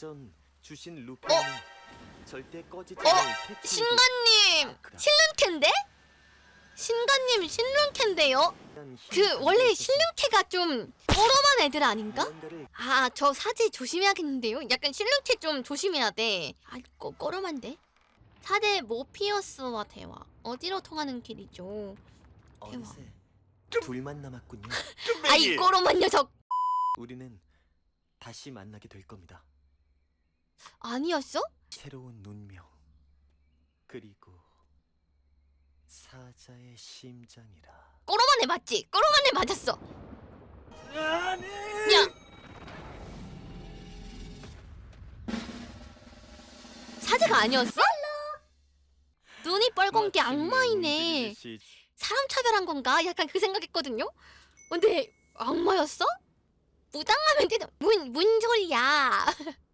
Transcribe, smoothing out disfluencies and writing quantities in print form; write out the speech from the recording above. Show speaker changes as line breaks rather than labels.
예전 주신 루파는 절대 꺼지지 않을 캐치.
신관님 실눈캔데? 신관님 실눈캔데요? 그 원래 실눈캐가 좀 꼬로만 애들 아닌가? 아 저 사제 조심해야겠는데요? 약간 실눈캐 좀 조심해야 돼. 아 꼬로만데? 사제 모피어스와 대화 어디로 통하는 길이죠?
어느새 둘만 남았군요.
아이 꼬로만 녀석!
우리는 다시 만나게 될 겁니다.
아니었어?
새로운 운명 그리고 사자의 심장이라.
꼬로만 애 맞지? 꼬로만 애 맞았어.
아니.
야! 사제가 아니었어? 눈이 뻘건 게 악마이네. 사람 차별한 건가? 약간 그 생각했거든요? 근데 악마였어? 무당하면 되는 뭔 소리야.